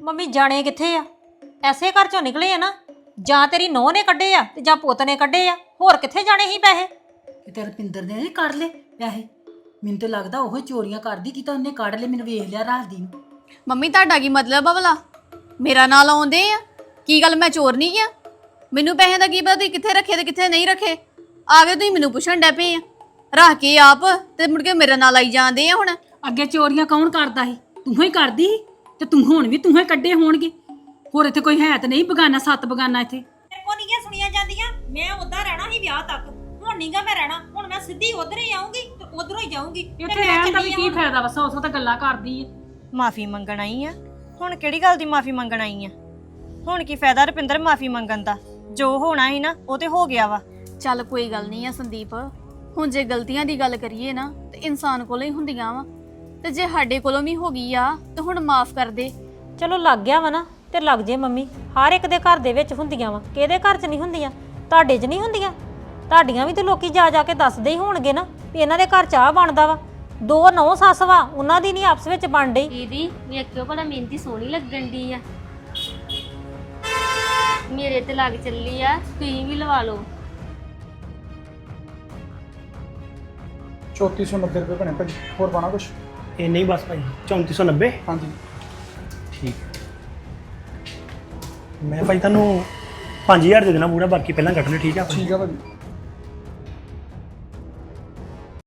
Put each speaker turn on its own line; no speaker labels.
Mummy ਜਾਣੇ ਕਿੱਥੇ ਆ? ਐਸੇ ਘਰ ਚੋਂ ਨਿਕਲੇ ਆ ਨਾ, ਜਾਂ ਤੇਰੀ ਨੂੰਹ ਨੇ ਕੱਢੇ ਆ ਤੇ ਜਾਂ ਪੁੱਤ ਨੇ ਕੱਢੇ ਆ, ਹੋਰ ਕਿੱਥੇ ਜਾਣੇ ਸੀ ਪੈਸੇ?
ਤੇ ਰਪਿੰਦਰ ਨੇ ਨਹੀਂ ਕੱਢ ਲਏ ਪੈਸੇ। ਮੈਨੂੰ ਤਾਂ ਲੱਗਦਾ ਉਹ ਚੋਰੀਆਂ ਕਰਦੀ ਕਿ ਤਾਂ ਉਹਨੇ ਕੱਢ ਲਏ, ਮੈਨੂੰ ਵੇਖ ਲਿਆ ਰਾਤ ਦੀ ਨੂੰ।
ਮੰਮੀ ਤੁਹਾਡਾ ਕੀ ਮਤਲਬ ਆ ਭਲਾ? ਮੇਰਾ ਨਾਂ ਲਾਉਂਦੇ ਆ? ਕੀ ਗੱਲ ਮੈਂ ਚੋਰ ਨਹੀਂ ਆ? ਮੈਨੂੰ ਪੈਸੇ ਦਾ ਕੀ ਪਤਾ ਤੁਸੀਂ ਕਿੱਥੇ ਰੱਖੇ ਤੇ ਕਿੱਥੇ ਨਹੀਂ ਰੱਖੇ? ਆ ਗਏ ਤੁਸੀਂ ਮੈਨੂੰ ਪੁੱਛਣ ਡੈ ਪਏ ਆ, ਰੱਖ ਕੇ ਆਪ ਤੇ ਮੁੜ ਕੇ ਮੇਰਾ ਨਾਂ ਲਾਈ ਜਾਂਦੇ ਆ। ਹੁਣ
ਅੱਗੇ ਚੋਰੀਆਂ ਕੌਣ ਕਰਦਾ ਸੀ? ਤੂੰ ਹੀ ਕਰਦੀ ਸੀ ਤੇ ਤੂੰ ਹੁਣ ਵੀ ਤੂੰ ਹੀ ਕੱਢੇ ਹੋਣਗੇ। ਹੋਰ ਇੱਥੇ ਕੋਈ ਹੈ ਤਾਂ ਨਹੀਂ ਬਗਾਨਾ, 7 ਬਗਾਨਾ ਇੱਥੇ।
ਮੇਰੇ ਕੋ ਨਹੀਂ ਸੁਣੀਆਂ ਜਾਂਦੀਆਂ। ਮੈਂ ਉੱਦਾਂ ਰਹਿਣਾ ਸੀ ਵਿਆਹ ਤੱਕ, ਹੁਣ ਨਹੀਂਗਾ ਮੈਂ ਰਹਿਣਾ। ਹੁਣ ਮੈਂ ਸਿੱਧੀ ਉਧਰ ਹੀ ਆਉਂਗੀ ਤੇ ਉਧਰੋਂ ਹੀ ਜਾਊਂਗੀ।
ਇੱਥੇ ਰਹਿਣ ਦਾ ਵੀ ਕੀ ਫਾਇਦਾ ਵਾ? 100 ਤਾਂ ਗੱਲਾਂ ਕਰਦੀ ਏ।
ਮਾਫੀ ਮੰਗਣ ਆਈ ਆ? ਹੁਣ ਕਿਹੜੀ ਗੱਲ ਦੀ ਮਾਫੀ ਮੰਗਣ ਆਈ ਆ? ਹੁਣ ਕੀ ਫਾਇਦਾ ਰੁਪਿੰਦਰ ਮਾਫੀ ਮੰਗਣ ਦਾ? ਜੋ ਹੋਣਾ ਸੀ ਨਾ ਉਹ ਤੇ ਹੋ ਗਿਆ ਵਾ।
ਚੱਲ ਕੋਈ ਗੱਲ ਨਹੀਂ ਆ ਸੰਦੀਪ, ਹੁਣ ਜੇ ਗਲਤੀਆਂ ਦੀ ਗੱਲ ਕਰੀਏ ਨਾ ਤੇ ਇਨਸਾਨ ਕੋਲੋਂ ਹੀ ਹੁੰਦੀਆਂ ਵਾ, ਤੇ ਜੇ ਸਾਡੇ ਕੋਲੋਂ ਵੀ ਹੋ ਗਈ ਆ ਤੇ ਹੁਣ ਮਾਫ ਕਰ ਦੇ।
ਚਲੋ ਲੱਗ ਗਿਆ ਵਾ ਨਾ ਤੇ ਲੱਗ ਜੇ ਮੰਮੀ। ਹਰ ਇੱਕ ਦੇ ਘਰ ਦੇ ਵਿੱਚ ਹੁੰਦੀਆਂ ਵਾ, ਕਿਹਦੇ ਘਰ 'ਚ ਨਹੀਂ ਹੁੰਦੀਆਂ? ਤੁਹਾਡੇ 'ਚ ਨਹੀਂ ਹੁੰਦੀਆਂ? ਤੁਹਾਡੀਆਂ ਵੀ ਤੇ ਲੋਕੀ ਜਾ ਜਾ ਕੇ ਦੱਸਦੇ ਹੀ ਹੋਣਗੇ ਨਾ ਵੀ ਇਹਨਾਂ ਦੇ ਘਰ ਚਾਹ ਬਣਦਾ ਵਾ। 2 ਨੌ ਸੱਸ ਵਾ, ਉਹਨਾਂ ਦੀ ਨਹੀਂ ਆਪਸ ਵਿੱਚ ਬਣ ਡਈ।
ਦੀਦੀ ਵੇਖਿਓ ਭਲਾ ਮਿਹਨਤੀ ਸੋਹਣੀ ਲੱਗਣ ਦੀ ਆ, ਮੇਰੇ ਤੇ ਲੱਗ ਚੱਲੀ ਆ, ਤੁਸੀਂ ਵੀ ਲਵਾ ਲਓ।
3490 ਰੁਪਏ ਬਣੇ ਭਾਜੀ। ਹੋਰ ਪਾਣਾ ਕੁਛ?
ਇਹ ਨਹੀਂ ਬਸ ਭਾਈ 3490।
ਹਾਂਜੀ
ਠੀਕ ਮੈਂ ਭਾਈ ਤੁਹਾਨੂੰ 5000 ਦੇ ਦੇਣਾ ਪੂਰਾ, ਬਾਕੀ ਪਹਿਲਾਂ ਕੱਟ ਲਿਓ। ਠੀਕ ਆ ਭਾਈ?
ਠੀਕ ਆ ਭਾਜੀ।